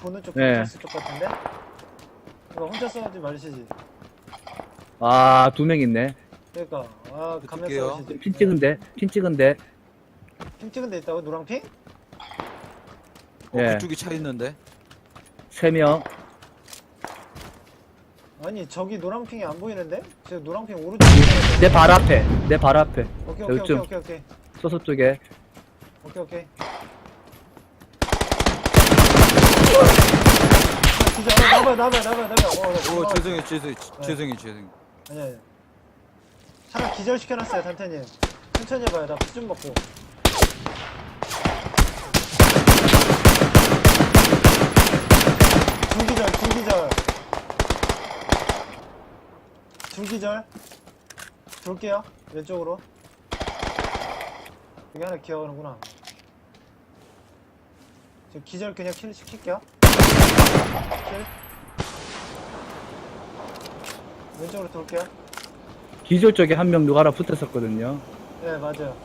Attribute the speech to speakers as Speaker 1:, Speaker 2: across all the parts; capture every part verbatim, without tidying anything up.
Speaker 1: 보는 쪽
Speaker 2: 네.
Speaker 1: 경찰서 쪽 같은데? 이거 혼자 싸우지 마시지.
Speaker 2: 아, 두 명 있네.
Speaker 1: 그러니까 아 가면
Speaker 3: 붙을게요.
Speaker 1: 싸우시지.
Speaker 2: 핀 찍은데, 핀 찍은데.
Speaker 1: 핑 찍은 데 있다고? 노랑핑?
Speaker 3: 어,
Speaker 2: 예.
Speaker 3: 그쪽이 차 있는데.
Speaker 2: 세 명.
Speaker 1: 아니 저기 노랑핑이 안 보이는데? 지금 노랑핑 오른쪽.
Speaker 2: 내 발 앞에, 내 발 앞에.
Speaker 1: 오케이 오케이 오케이
Speaker 2: 여기쯤.
Speaker 1: 오케이 오케이
Speaker 2: 소소 쪽에.
Speaker 1: 오케이 오케이. 진짜 어, 나봐 나봐 나봐 나봐. 어, 나-
Speaker 3: 오,
Speaker 1: 어,
Speaker 3: 죄송해요, 죄송해요,
Speaker 1: 네.
Speaker 3: 죄송해요, 죄송해요.
Speaker 1: 아니 아니. 차라 기절 시켜놨어요 단태님. 천천히 해봐요. 나 피 좀 먹고. 중기절 중기절. 중기절. 돌게요. 왼쪽으로. 여기 하나 기어가는구나. 저 기절 그냥 킬 시킬게요. 킬. 왼쪽으로 돌게요.
Speaker 2: 기절 쪽에 한 명 누가 하나 붙었었거든요.
Speaker 1: 네, 맞아요.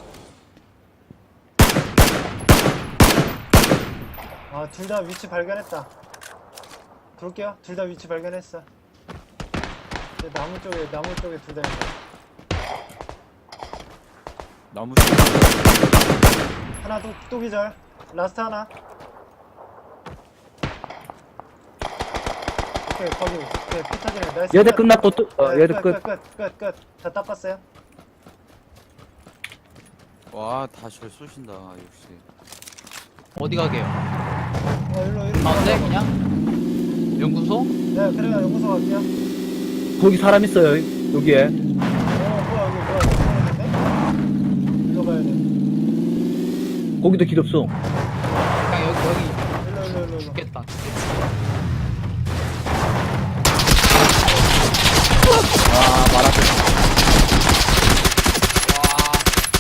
Speaker 1: 아, 둘 다 위치 발견했다. 돌게요. 둘 다 위치 발견했어. 네, 나무 쪽에, 나무 쪽에 둘 다 있어.
Speaker 3: 나무 씨.
Speaker 1: 하나 또, 또 기절. 라스트 하나. 오케이, 거기. 오케이, 피 터지네. 나이스.
Speaker 2: 얘들
Speaker 1: 끝.
Speaker 2: 끝났고 또, 어,
Speaker 1: 네,
Speaker 2: 얘들 끝.
Speaker 1: 끝, 끝, 끝. 다 닦았어요.
Speaker 3: 와, 다시를 쏘신다, 역시.
Speaker 4: 어디 가게요?
Speaker 1: 어, 일로, 일로.
Speaker 4: 가운데 그냥? 연구소?
Speaker 1: 네, 그래요. 연구소 갈게요.
Speaker 2: 거기 사람 있어요, 여기에.
Speaker 1: 어, 뭐야, 여기 뭐야. 이상한데? 일로 가야 돼.
Speaker 2: 거기도 기덥소.
Speaker 4: 그냥 여기 여기
Speaker 1: 일로, 일로, 일로, 일로.
Speaker 4: 죽겠다.
Speaker 2: 아, 말았어.
Speaker 4: 와,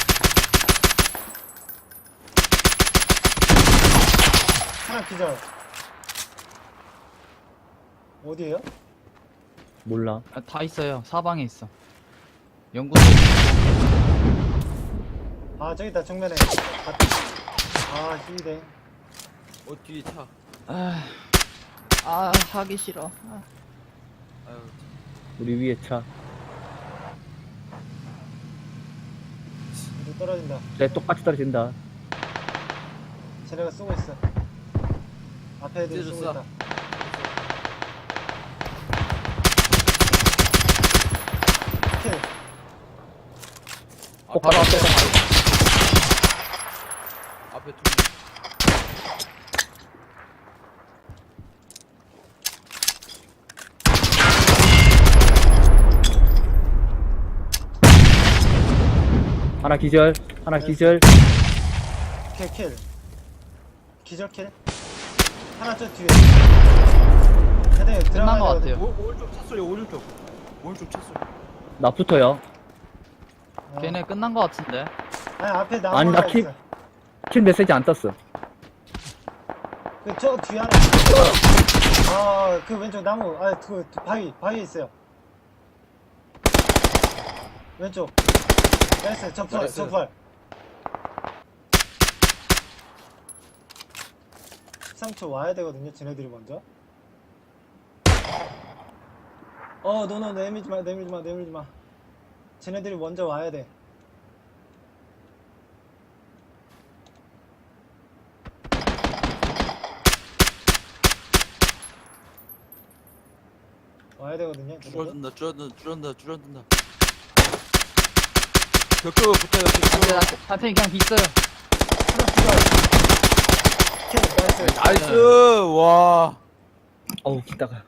Speaker 1: 하나 기절. 어디에요?
Speaker 2: 몰라.
Speaker 4: 아, 다 있어요. 사방에 있어. 연구소.
Speaker 1: 아 저기 있다 정면에. 아 히댕.
Speaker 3: 어, 뒤에 차.
Speaker 4: 아, 아 하기 싫어. 아.
Speaker 3: 아유,
Speaker 2: 우리 위에 차.
Speaker 1: 이거 떨어진다.
Speaker 2: 내 똑같이 떨어진다.
Speaker 1: 쟤네가 쏘고 있어. 앞에 애들이 쏘고
Speaker 3: 찢어졌어.
Speaker 1: 있다. 킬.
Speaker 2: 꼭 바로 앞에.
Speaker 3: 앞에 두 명.
Speaker 2: 하나 기절, 하나 기절.
Speaker 1: 킬 킬. 기절 킬. 하나 저 뒤에. 헤드
Speaker 4: 끝난
Speaker 1: 들어가야
Speaker 4: 것
Speaker 1: 되거든.
Speaker 4: 같아요.
Speaker 3: 오, 오른쪽 차 소리, 오른쪽. 오른쪽 차 소리.
Speaker 2: 나 붙어요.
Speaker 1: 어.
Speaker 4: 걔네 끝난 것 같은데.
Speaker 1: 아니 앞에 나무
Speaker 2: 아니, 나
Speaker 1: 하나
Speaker 2: 킬-
Speaker 1: 있어.
Speaker 2: 킬 메시지 안 떴어.
Speaker 1: 그저 뒤에 하나 있어. 아그 왼쪽 나무. 아그 바위 바위에 있어요. 왼쪽. 나이스 접할
Speaker 3: 나이스.
Speaker 1: 접할. 십삼 초 와야 되거든요. 쟤네들이 먼저. 어, 너너 내밀지 마, 내밀지 마, 내밀지 마. 쟤네들이 먼저 와야 돼. 와야 되거든요. 쟤네들.
Speaker 3: 줄어든다, 줄어든다, 줄어든다, 줄어든다. 벽돌 붙어요,
Speaker 4: 안돼,
Speaker 3: 벽돌.
Speaker 4: 한테 그냥 있어요.
Speaker 1: 하나 킬, 나이스.
Speaker 3: 나이스! 와.
Speaker 2: 어우, 기다가.